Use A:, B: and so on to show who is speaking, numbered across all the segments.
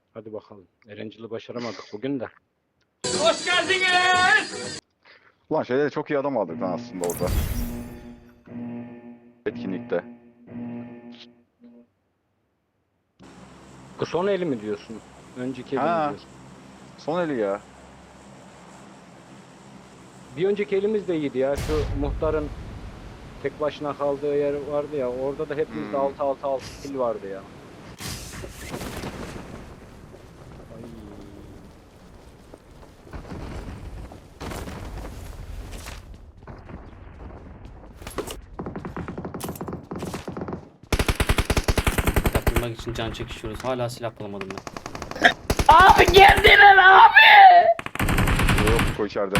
A: Hadi bakalım. Erencil'i başaramadık bugün de.
B: Hoş geldiniz.
C: Ulan şeyde çok iyi adam aldık lan aslında orada. Etkinlikte.
A: Bu son eli mi diyorsun? Önceki eli mi
C: Ha.
A: diyorsun?
C: Son eli ya.
A: Bir önceki elimiz de iyiydi ya. Şu muhtarın tek başına kaldığı yer vardı ya. Orada da hepimizde 6-6-6 kill vardı ya. Ay.
D: Yapılmak için can çekişiyoruz. Hala silah bulamadım ben.
B: Abi geldiler abi.
C: Yok koy içeride.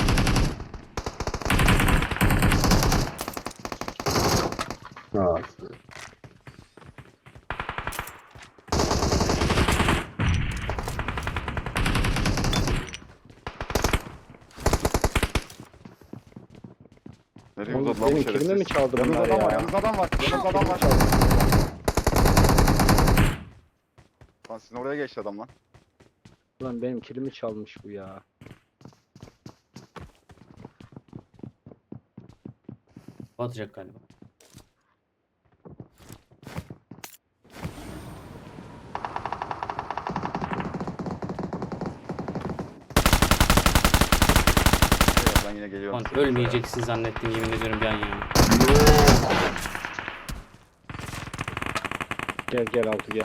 C: Nereye
A: Oğlum,
C: uzadı lan bu
A: benim kelime mi
C: şerefsiz?
A: çaldı
C: Yanınızda
A: bunlar
C: adam var,
A: ya?
C: yanınızda adam var. Yanınızda adam var. Lan sizin oraya geçti adam lan.
A: Ulan benim kilimi çalmış bu ya.
D: Batacak galiba.
C: Evet, ben yine geliyorum.
D: Lan ölmeyeceksin zannettim yemin ediyorum bir an ya.
A: Gel gel altı gel.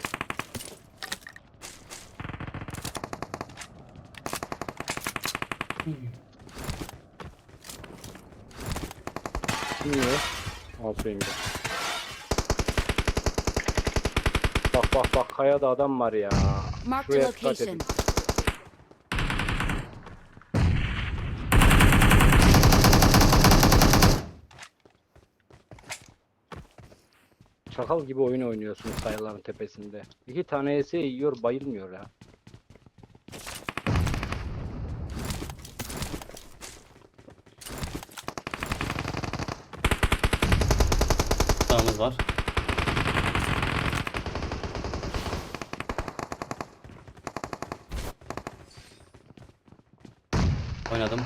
A: Niye? Altıyım gel. Bak kayada adam var ya.
E: Marked a
A: Şuraya dikkat
E: location.
A: edin. Çakal gibi oyun oynuyorsunuz kayaların tepesinde. İki tane ES yiyor bayılmıyor ya.
D: Sağımız var. Oynadım.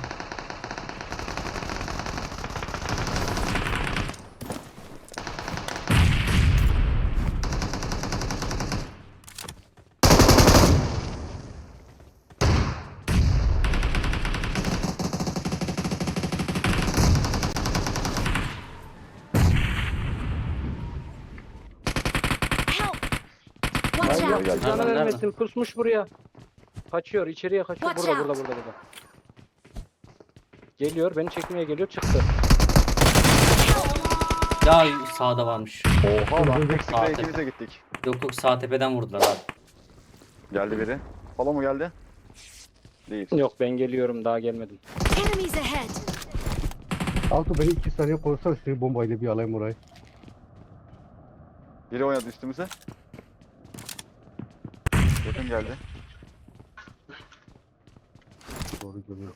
E: Help! Watch
C: Nerede
E: out!
C: geldi?
A: Canı
D: Nerede?
A: vermesin pusmuş buraya. Kaçıyor içeriye kaçıyor.
E: Watch
A: Burada. Geliyor beni çekmeye geliyor çıktı.
D: Ya sağda varmış.
C: Oha lan tek
D: Sağ
C: sıkıya
D: tepe.
C: ikimize gittik.
D: Yok sağ tepeden vurdular abi.
C: Geldi biri. Palo mu geldi? Değil.
A: Yok ben geliyorum daha gelmedim.
E: Enemies ahead!
F: Altı beni 2 saniye korusana seni bombayla bir alayım orayı.
C: Biri oynadı üstümüze. Yakın geldi.
F: Doğru görüyorum.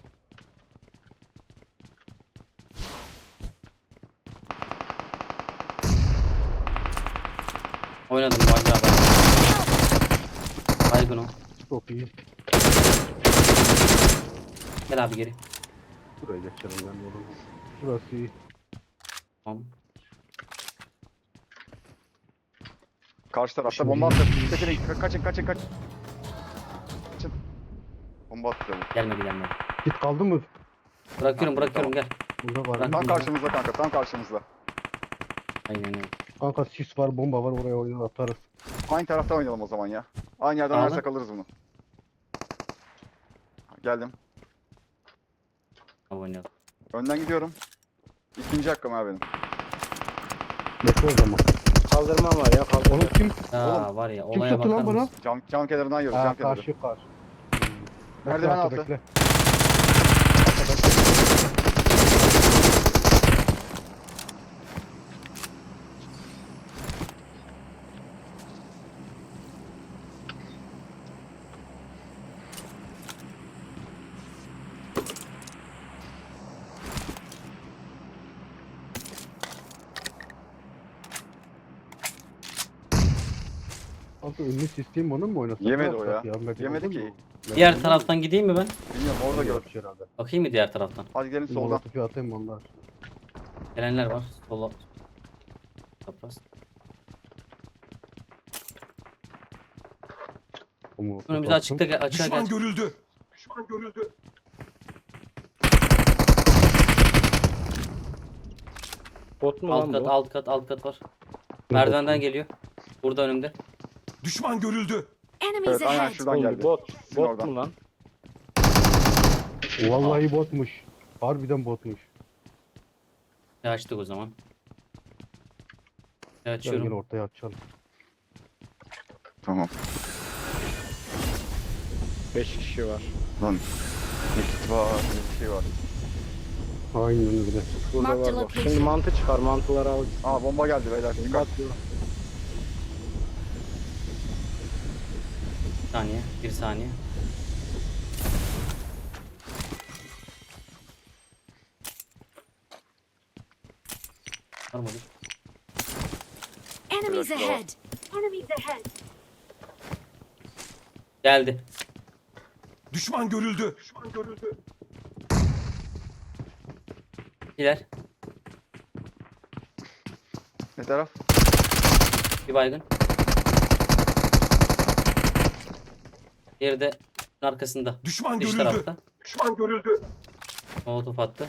D: Oynadım Valide abi. Baygın o.
F: Çok iyi.
D: Gel abi geri.
F: Buraya geçelim ben de oğlum. Burası iyi.
D: Tamam.
C: Karşı tarafta
F: Şimdi-
C: bomba attı. Çekilin, kaçın. Kaçın. Bomba attı.
D: Gelmedi.
F: Git kaldın mı?
D: Bırakıyorum gel.
F: Burada var.
D: Bırak.
C: Tam karşımızda kanka, tam karşımızda.
D: Aynen öyle.
F: Kanka sis var, bomba var, oraya oyunu atarız.
C: Aynı tarafta oynayalım o zaman ya. Aynı yerden
D: Abi.
C: oynarsak alırız bunu. Geldim.
D: Abi oynayalım.
C: Önden gidiyorum. İkinci hakkım abi benim.
F: Bekle o zaman.
A: Kaldırmam var ya kaldırma.
F: Oğlum kim?
D: Ya var ya
F: Kim
D: olaya
F: tuttu
D: bakar
F: lan bana?
D: mısın?
C: Cam kenarından yiyoruz,
F: Ha
C: cam kenarı.
F: karşı.
C: Merdiven
F: Bekle,
C: altı.
F: Bekle. Altı ünlü sistem onu mu oynasın?
C: Yemedi
F: Ne
C: o
F: yapsak
C: ya.
F: Medikal
C: Yemedi
F: olur
C: ki.
F: mu?
D: Diğer taraftan gideyim mi ben?
C: Bilmiyorum orada gör.
F: Yapmış herhalde.
D: Bakayım mı diğer taraftan?
C: Hadi gidelim soldan.
F: Molotofu atayım onlar.
D: Gelenler var. Sola. Kapras.
F: O molotofu
D: Önümüzde
F: attım.
D: açıkta açığa
B: Düşman
D: gel.
B: görüldü. Düşman görüldü.
A: Bot mu
D: Alt
A: lan
D: kat,
A: bu?
D: alt kat, alt kat var. Merdivenden geliyor. Burada önümde.
B: Düşman görüldü.
E: Enemies
C: Evet aynen
E: ahead!
C: şuradan
A: Oğlum,
C: geldi.
A: bot.
C: Sizin
A: Bot
C: oradan.
A: mu lan?
F: Vallahi botmuş. Harbiden botmuş.
D: Açtık o zaman.
F: Gel
D: Açıyorum.
F: ortaya açalım.
C: Tamam.
A: 5 kişi var.
C: Lan. Nekit var. Bir şey var.
F: Aynen öyle.
A: Burada
E: Mark the
A: var bak.
E: location.
A: Şimdi mantı çıkar. Mantıları al.
C: Aa bomba geldi beyler.
A: Bomba
C: Dikkat.
A: atıyor.
D: Bir saniye. Bir saniye. Var mıdır?
E: Enemies
C: Evet,
E: ahead! Enemies ahead!
D: Geldi.
B: Düşman görüldü. Düşman görüldü.
D: İler.
C: Ne taraf?
D: Bir baygın. Diğeri de arkasında.
B: Düşman
D: Dış
B: görüldü.
D: tarafta.
B: Düşman görüldü.
D: Molotof attı.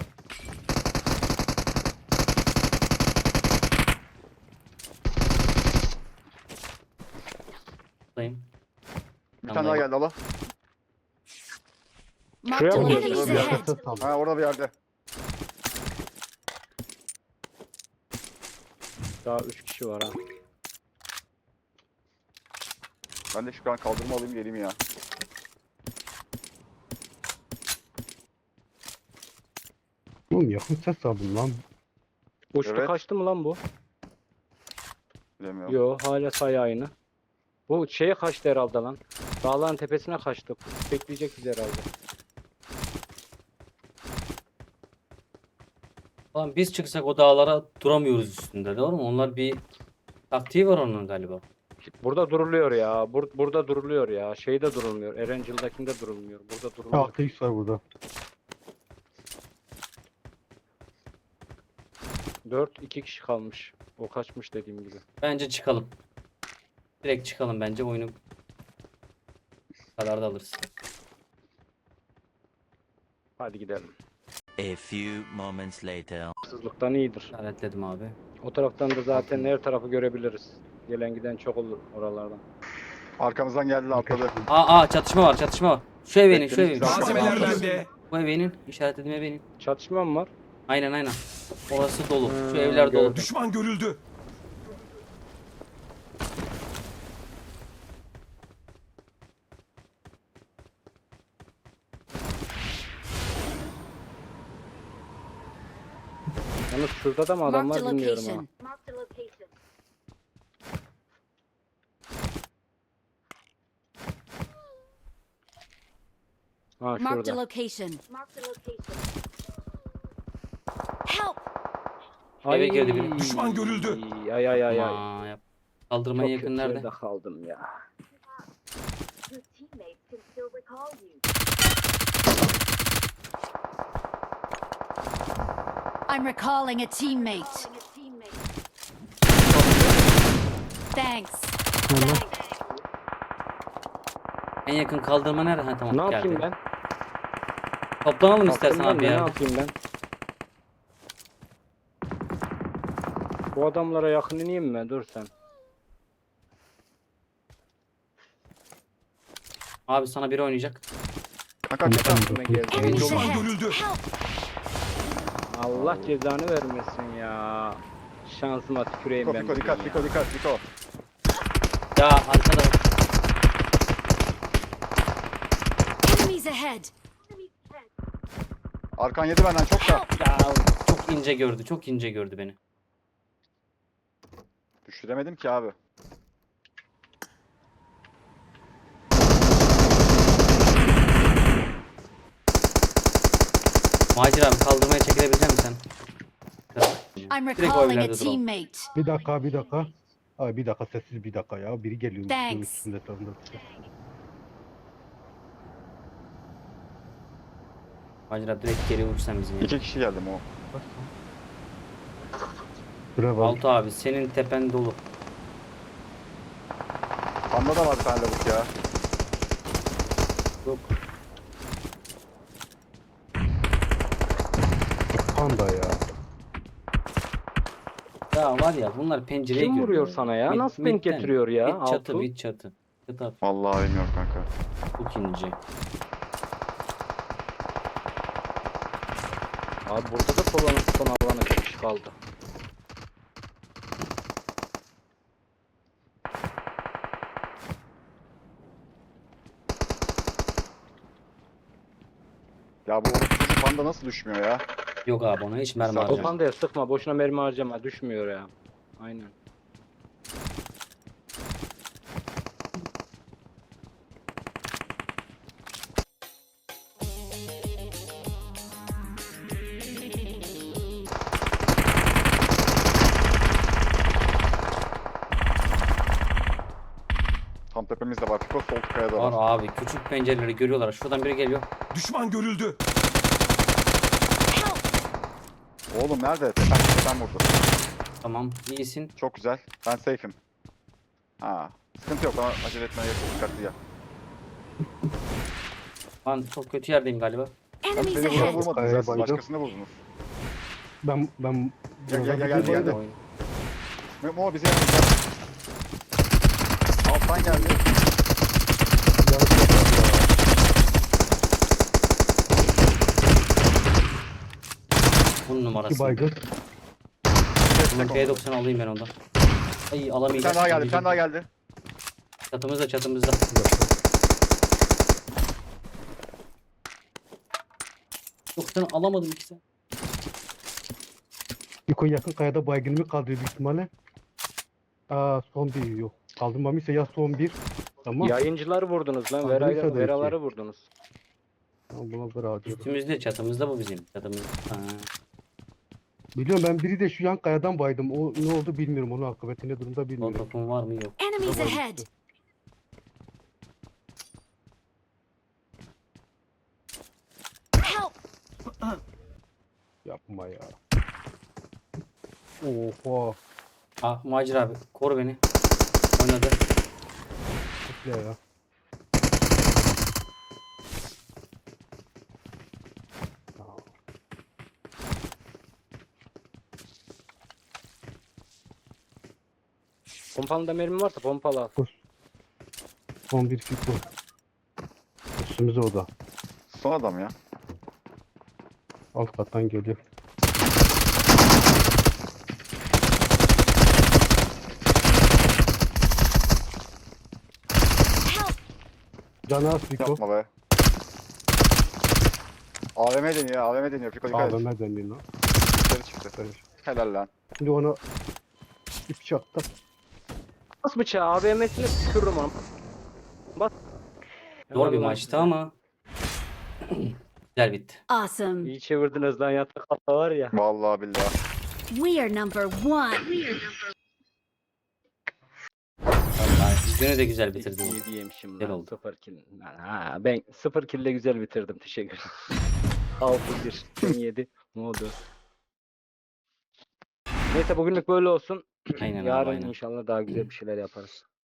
D: Buradayım.
C: Bir
D: Tamam,
C: tane daha
D: dayı.
C: geldi Allah.
E: Mark the
A: Şuraya mı
E: enemies
A: geçiyor?
E: ahead!
F: Ses aldım.
C: Ha orada bir yerde.
A: Daha 3 kişi var ha.
C: Ben de şu an kaldırma alayım geleyim ya.
F: Oğlum yakın ses aldım lan.
A: Uçtu
C: Evet.
A: kaçtı mı lan bu?
C: Bilemiyorum.
A: Yo hala sayı aynı. Bu şeye kaçtı herhalde lan. Dağların tepesine kaçtı. Bekleyecek bizi herhalde.
D: Ulan biz çıksak o dağlara duramıyoruz üstünde, doğru mu? Onlar bir taktiği var onun galiba.
A: Burada duruluyor ya. Burada duruluyor ya. Şeyde durulmuyor. Erencil'dekinde durulmuyor. Burada duruluyor.
F: 6x var burada.
A: 2 kişi kalmış. O kaçmış dediğim gibi.
D: Bence çıkalım. Direkt çıkalım bence, oyunu kadar da alırız.
A: Hadi gidelim.
G: A few moments later.
A: Hırsızlıktan iyidir.
D: İşaretledim abi.
A: O taraftan da zaten her tarafı görebiliriz. Gelen giden çok olur oralardan.
C: Arkamızdan geldiler atladı.
D: Aa çatışma var, çatışma var. Şu evinin, şu evinin.
C: Bekleyin,
B: Malzemeler bende.
D: Bu evinin, işaretlediğim evinin.
A: Çatışma mı var?
D: Aynen. Orası dolu. Şu
A: Hmm,
D: evler dolu.
A: gördüm.
B: Düşman görüldü.
A: Yalnız şurada da mı adam
E: Mark the
A: var bilmiyorum ha.
E: location. Mark the location.
A: Ha
E: Mark the
A: şurada.
E: location. Mark the location. Help!
D: Eve girdi biri.
B: Düşman görüldü.
A: Ay ay ay ay.
D: Aman yap. Kaldırmaya
A: Çok
D: yakın
A: kötü
D: nerede?
A: yerde kaldım ya.
E: Your teammates can still recall you. I'm recalling a teammate. Thanks.
D: En yakın kaldırma nerede? Ha tamam,
A: Ne
D: geldi.
A: yapayım ben?
D: Toplanalım istersen
A: Kalktım
D: abi
A: ben de,
D: ya.
A: Ne yapayım ben? Bu adamlara yakın ineyim mi? Dur sen.
D: Abi sana biri oynayacak.
C: Kanka kaç.
A: Aklıma geldi.
E: Enemies
B: Düşman
E: ahead!
B: görüldü.
E: Help!
A: Allah cezanı vermesin ya. Şansıma tüküreyim
C: Fiko
A: ben.
C: Fiko
A: bugün
C: dikkat
A: ya.
C: Fiko dikkat Fiko.
D: Ya arkada.
E: Enemies ahead!
C: Arkan yedi benden çok da.
D: Ya çok ince gördü. Çok ince gördü beni.
C: Düşüremedim ki abi.
D: Macir abi kaldırmaya çekilebilecek misin sen?
E: I'm
D: Direkt o
E: recalling a
D: evlerde duralım.
E: teammate.
F: Bir dakika. Ay bir dakika sessiz bir dakika ya. Biri geliyor.
H: Thanks.
F: Üstünde sonunda.
D: Macera direkt geri vursan bizim ya.
C: 2 kişi geldi o.
F: Bravo.
D: Altı abi senin tepen dolu.
C: Panda da var bir tane lavuk ya.
D: Yok.
F: Panda ya.
D: Ya var ya bunlar pencereye
A: Kim
D: görüyor.
A: vuruyor sana ya? Nasıl denk
D: midden.
A: getiriyor ya?
D: Mid çatı,
A: Altu?
D: mid çatı. Çatı at.
C: Vallahi bilmiyorum kanka.
D: Çok ince.
A: Abi burada da son alana çok kişi kaldı.
C: Ya bu çocuk panda nasıl düşmüyor ya?
D: Yok abi ona hiç mermi
C: Sağ ol.
A: O
D: harcama.
A: pandaya sıkma. Boşuna mermi harcama. Düşmüyor ya. Aynen.
C: Tam tepemizde var. Fiko sol kayada
D: Var
C: var.
D: abi küçük pencereleri görüyorlar. Şuradan biri geliyor.
B: Düşman görüldü.
C: Oğlum nerede? Tepem vurdu.
D: Tamam iyisin.
C: Çok güzel. Ben safe'im. Ha. Sıkıntı yok. Bana acele etmeye gerek yok. Dikkatli ya.
D: Ben çok kötü yerdeyim galiba.
C: Ben
H: Enemies
C: seni vurana
H: ahead!
C: vurmadınız
F: Kayaya
C: ya. Siz
F: bayıldım.
C: başkasına vurdunuz.
F: Ben
C: Gel,
F: Buradan
C: gel,
F: bir
C: gel,
F: bayıldım.
C: gel. Mo bize yanımızda. Alttan geldi.
F: Yanlış yapmadım ya.
D: Bunun
F: İki
D: numarası.
F: baygın.
D: Bunun P90 alayım ben ondan. Ay
C: Bir
D: alamayacağım.
C: tane daha geldi. Bir tane daha geldi.
D: Çatımızda çatımızda. Yok sen alamadım ikisi.
F: Niko yakın kayada baygınımı kaldırıyor büyük ihtimalle. Son bir yok. Kaldırmamışsa ya son bir. Tamam.
A: Yayıncıları vurdunuz lan.
F: Kaldırırsa da iki.
A: Veraları vurdunuz.
F: Tamam, buna göre acıyorum.
D: Üstümüzde çatımızda bu bizim. Çatımız. Ha.
F: Biliyorum ben biri de şu yan kayadan baydım. O ne oldu bilmiyorum. Onun akıbeti ne durumda bilmiyorum.
D: Topum var mı yok.
H: Enemies ahead! Help!
F: Yapma ya. Oha.
D: Ah Macir abi koru beni. Oynadı.
F: Bekle ya.
A: Pompalıda mermi varsa pompalı al.
F: Son bir Fiko. Üstümüze o da.
C: Son adam ya.
F: Alt kattan geliyor.
H: Help!
F: Canı az Fiko.
C: Yapma be. AVM deniyor. AVM deniyor. Fiko dikkat et.
F: AVM deniyor lan.
C: Dışarı çıktı. Helal lan.
F: Şimdi ona ip çaktım.
A: Bas bıçağı AVM'sine tükürürüm onu. Bas.
D: Zor bir
A: Helal lan
D: maçtı
A: size.
D: ama güzel bitti.
H: Awesome!
A: İyi çevirdiniz lan yatak hata var ya.
C: Vallahi billahi.
H: We are number one!
D: Vallahi günü de güzel bitirdim.
A: İyi diyemişim
D: Güzel
A: lan.
D: oldu.
A: 0 kill. Ha, ben 0 kill ile güzel bitirdim. Teşekkür ederim. 6-1. 17. Modu. Neyse bugünlük böyle olsun.
D: Aynen abi
A: Yarın
D: aynen.
A: inşallah daha güzel bir şeyler yaparız.